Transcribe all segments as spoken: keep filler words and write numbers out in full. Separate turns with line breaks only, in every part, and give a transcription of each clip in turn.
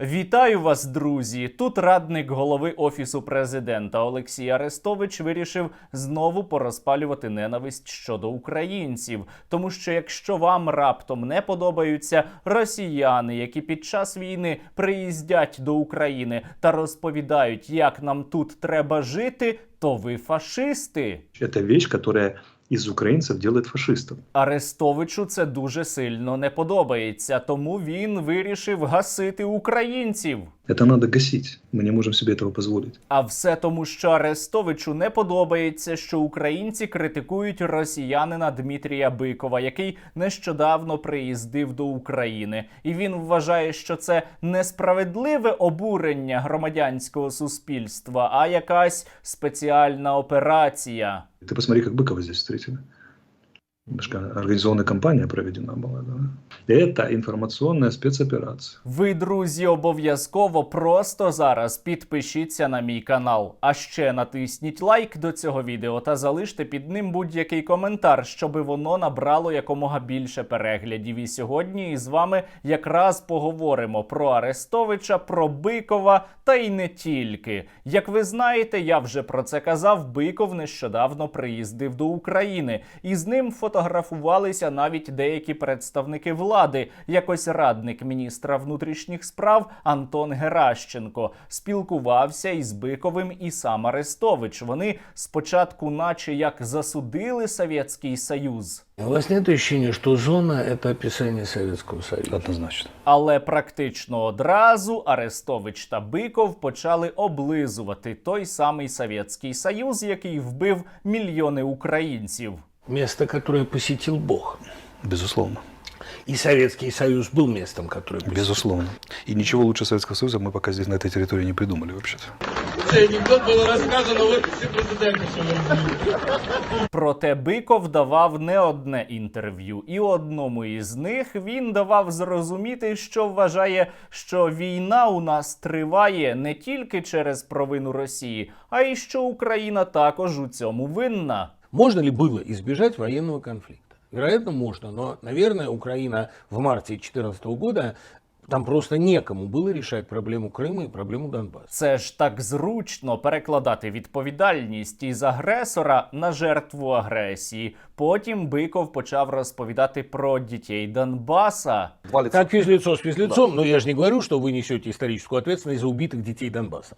Вітаю вас, друзі! Тут радник голови Офісу президента Олексій Арестович вирішив знову порозпалювати ненависть щодо українців. Тому що якщо вам раптом не подобаються росіяни, які під час війни приїздять до України та розповідають, як нам тут треба жити, то ви фашисти.
Це річ, яка із українців робить фашистів.
Арестовичу це дуже сильно не подобається, тому він вирішив гасити українців.
Це треба гасити. Ми не можемо собі цього дозволити.
А все тому, що Арестовичу не подобається, що українці критикують росіянина Дмитрія Бикова, який нещодавно приїздив до України. І він вважає, що це несправедливе обурення громадянського суспільства, а якась спеціальна операція.
Ты посмотри, как Быкова здесь встретили. Организованная кампания проведена была. Да? Это информационная спецоперация.
Ви, друзі, обов'язково просто зараз підпишіться на мій канал. А ще натисніть лайк до цього відео та залиште під ним будь-який коментар, щоби воно набрало якомога більше переглядів. І сьогодні із вами якраз поговоримо про Арестовича, про Бикова та й не тільки. Як ви знаєте, я вже про це казав, Биков нещодавно приїздив до України. І з ним фотографувалися навіть деякі представники влади. Якось радник міністра внутрішніх справ Антон Геращенко спілкувався із Биковим і сам Арестович. Вони спочатку наче як засудили Совєтський Союз.
У вас нет ощущения, что зона – это описание Советского Союза?
Однозначно.
Але практично одразу Арестович та Биков почали облизувати той самий Совєтський Союз, який вбив мільйони українців.
Место, которое посетил Бог.
Безусловно.
И Советский Союз был местом, которое посетил.
Безусловно. И ничего лучше Советского Союза мы пока здесь, на этой территории, не придумали вообще-то.
Цей анекдот було розказано в офісі президента, що ви.
Проте Биков давав не одне інтерв'ю. І одному із них він давав зрозуміти, що вважає, що війна у нас триває не тільки через провину Росії, а й що Україна також у цьому винна.
Можно ли было избежать военного конфликта? Вероятно, можно, но, наверное, Украина в марте две тысячи четырнадцатого года, там просто некому было решать проблему Крыма и проблему Донбасса.
Це ж так зручно перекладати відповідальність із агресора на жертву агресії. Потім Биков почав розповідати про дітей Донбаса.
Так, физлицо с физлицом, да. Но я же не говорю, что вы несете историческую ответственность за убитых детей Донбасса.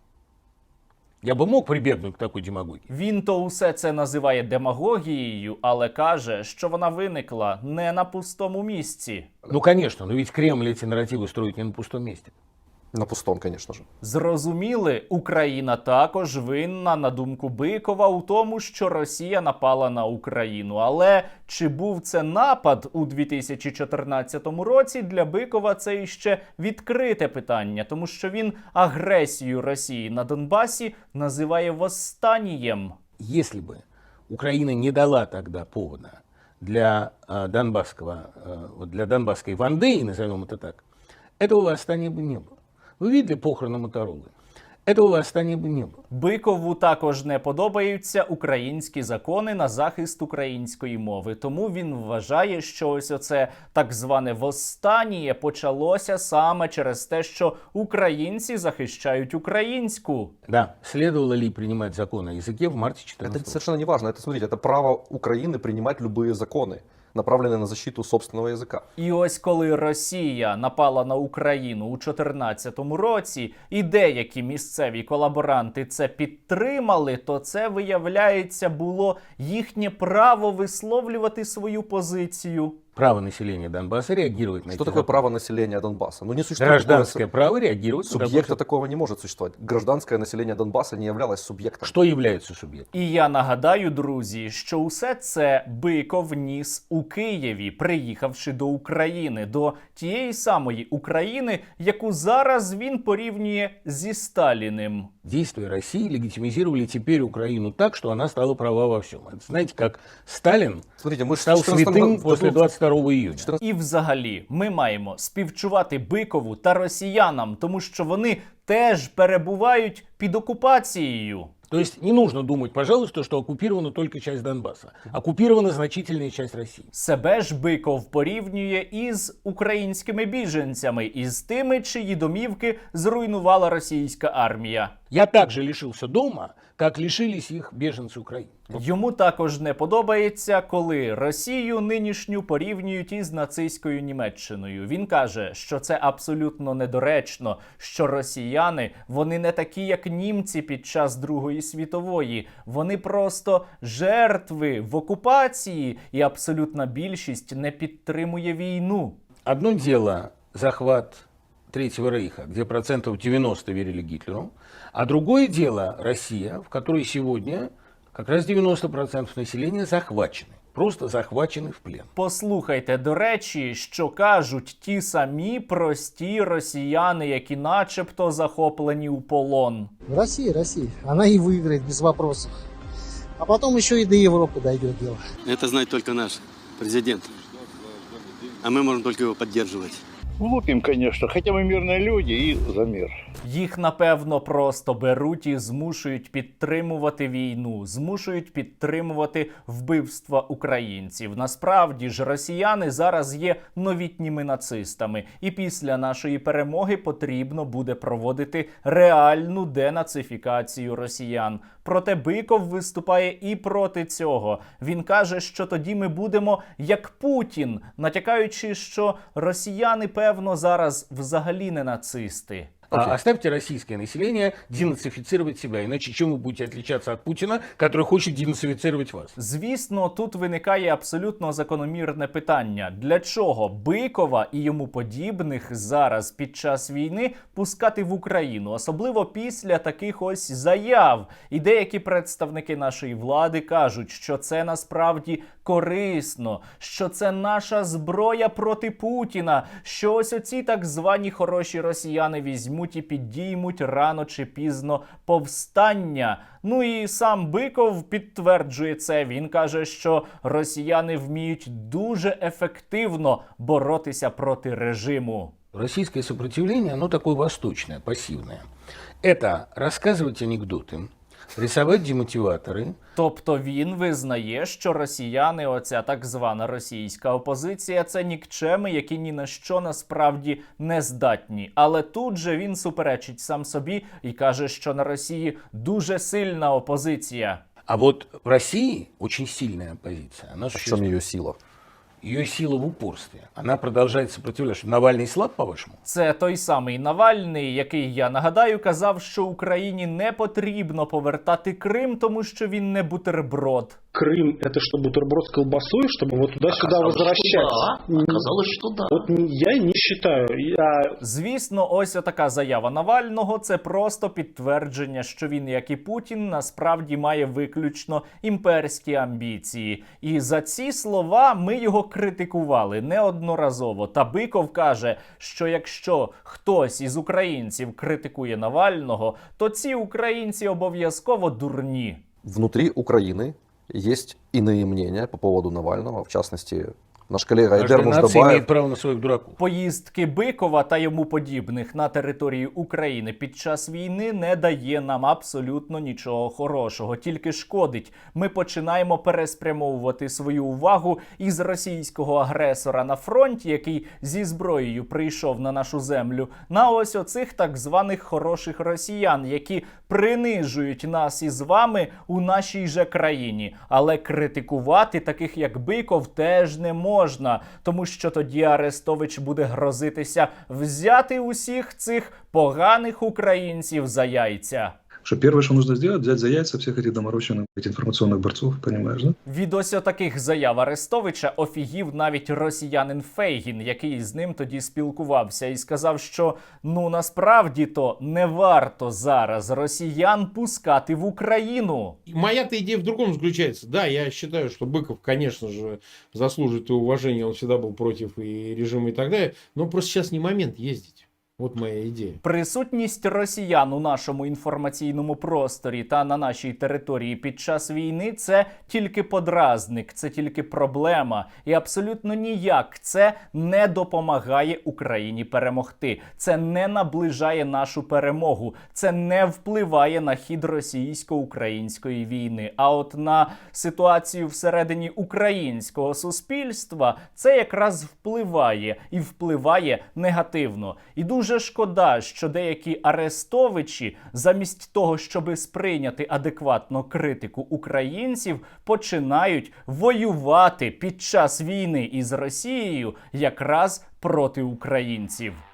Я би мог прибігнути к такій демагогії.
Він то усе це називає демагогією, але каже, що вона виникла не на пустому місці.
Ну, конечно, но ведь Кремль эти нарративы строит не на пустом месте.
На пустом, конечно же.
Зрозуміли, Україна також винна, на думку Бикова, у тому, що Росія напала на Україну. Але чи був це напад у дві тисячі чотирнадцятому році, для Бикова це іще відкрите питання, тому що він агресію Росії на Донбасі називає восстанієм.
Если бы Украина не дала тогда повода для э, донбасского, э, для донбасской ванды, назовем это так, этого восстания бы не было. Ви видели похорони Моторолы? Этого восстания бы не было.
Бикову також не подобаються українські закони на захист української мови. Тому він вважає, що ось оце так зване восстання почалося саме через те, що українці захищають українську.
Да, следовало ли принимать закон о языке в марте четырнадцатого года?
Это совершенно не важно. Это, смотрите, это право Украины принимать любые законы, направленные на защиту собственного языка.
І ось коли Росія напала на Україну у чотирнадцятому році, і деякі місцеві колаборанти це підтримали, то це, виявляється, було їхнє право висловлювати свою позицію.
Право населения Донбасса реагировать на
Что
эти
такое
законы.
право населения Донбасса? Ну, не существует
Гражданское
такого
право реагировать. на
субъекта,
такое.
такого не может существовать. Гражданское население Донбасса не являлось субъектом.
Что является субъектом?
І я нагадаю, друзі, що усе це Биков ніс у Києві, приїхавши до України, до тієї самої України, яку зараз він порівнює зі Сталіним.
Действия России легитимизировали теперь Украину так, что она стала права во всем. Это, знаете, как Сталин
Смотрите, мы
стал святым после двадцать второго июня.
І взагалі, ми маємо співчувати Бикову та росіянам, тому що вони теж перебувають під окупацією.
То есть не нужно думать, пожалуйста, что оккупирована только часть Донбасса. Оккупирована значительная часть России.
Себе ж Биков порівнює із українськими біженцями, із тими, чиї домівки зруйнувала російська армія.
Я также лишился дома, как лишились их беженцы Украины.
Йому також не подобається, коли Росію нинішню порівнюють із нацистською Німеччиною. Він каже, що це абсолютно недоречно, що росіяни, вони не такі, як німці під час Другої світової. Вони просто жертви в окупації, і абсолютна більшість не підтримує війну.
Одно дело захват Третьего Рейха, где процентов девяносто верили Гитлеру, а другое дело Россия, в которой сегодня как раз девяносто процентов населения захвачены. Просто захвачены в плен.
Послухайте, до речі, що кажуть ті самі прості росіяни, які начебто захоплені у полон.
Россия, Россия. Она и выиграет без вопросов. А потом еще и до Европы дойдет дело.
Это знает только наш президент. А мы можем только его поддерживать.
Глупим, конечно, хотя мы мирные люди и за мир.
Їх, напевно, просто беруть і змушують підтримувати війну, змушують підтримувати вбивства українців. Насправді ж росіяни зараз є новітніми нацистами. І після нашої перемоги потрібно буде проводити реальну денацифікацію росіян. Проте Биков виступає і проти цього. Він каже, що тоді ми будемо як Путін, натякаючи, що росіяни, певно, зараз взагалі не нацисти.
А оставьте российское население денацифицировать себя, иначе чем вы будете отличаться от Путина, который хочет денацифицировать вас?
Звісно, тут виникає абсолютно закономірне питання. Для чого Бикова і йому подібних зараз під час війни пускати в Україну? Особливо після таких ось заяв. І деякі представники нашої влади кажуть, що це насправді корисно, що це наша зброя проти Путіна, що ось оці так звані хороші росіяни візьмуть і підіймуть рано чи пізно повстання. Ну і сам Биков підтверджує це. Він каже, що росіяни вміють дуже ефективно боротися проти режиму.
Российское сопротивление, оно такое восточное, пассивное. Это рассказывать анекдоты, рисовать демотиваторы.
Тобто він визнає, що росіяни, оця так звана російська опозиція, це нікчеми, які ні на що насправді не здатні. Але тут же він суперечить сам собі і каже, що на Росії дуже сильна опозиція.
А вот в России очень сильная оппозиция. Она
В чем
существует.
ее сила?
Ее сила в упорстве. Она продолжает сопротивляться. Навальный слаб, по-вашему?
Це той самий Навальний, який, я нагадаю, казав, що Україні не потрібно повертати Крим, тому що він не бутерброд.
Крым — это что, бутерброд с колбасой, чтобы вот туда-сюда возвращаться?
Да. Оказалось, что да.
Вот не- я не считаю. Я...
Звісно, ось така заява Навального – це просто підтвердження, що він, як і Путін, насправді має виключно імперські амбіції. І за ці слова ми його критикували неодноразово. Та Биков каже, що якщо хтось із українців критикує Навального, то ці українці обов'язково дурні.
Внутри Украины есть иные мнения по поводу Навального, в частности, наш коллега
Каждая
Айдер
нация
Муждабаев.
имеет право на своих дураков.
Поїздки Бикова та йому подібних на території України під час війни не дає нам абсолютно нічого хорошого, тільки шкодить. Ми починаємо переспрямовувати свою увагу із російського агресора на фронті, який зі зброєю прийшов на нашу землю, на ось оцих так званих хороших росіян, які принижують нас із вами у нашій же країні. Але критикувати таких, як Биков, теж не можна. Можна, тому що тоді Арестович буде грозитися взяти усіх цих поганих українців за яйця.
Что первое, что нужно сделать, взять за яйца всех этих доморощенных этих информационных борцов, понимаешь, да?
Від ось таких заяв Арестовича офігів навіть росіянин Фейгін, який з ним тоді спілкувався, і сказав, що ну насправді-то не варто зараз росіян пускати в Україну.
Моя-то идея в другом заключается. Да, я считаю, что Быков, конечно же, заслуживает и уважения, он всегда был против и режима и так далее, но просто сейчас не момент ездить.
Вот моя идея.
Присутність росіян у нашому інформаційному просторі та на нашій території під час війни – це тільки подразник, це тільки проблема. І абсолютно ніяк це не допомагає Україні перемогти. Це не наближає нашу перемогу. Це не впливає на хід російсько-української війни. А от на ситуацію всередині українського суспільства це якраз впливає. І впливає негативно. І дуже Дуже шкода, що деякі арестовичі, замість того, щоби сприйняти адекватно критику українців, починають воювати під час війни із Росією якраз проти українців.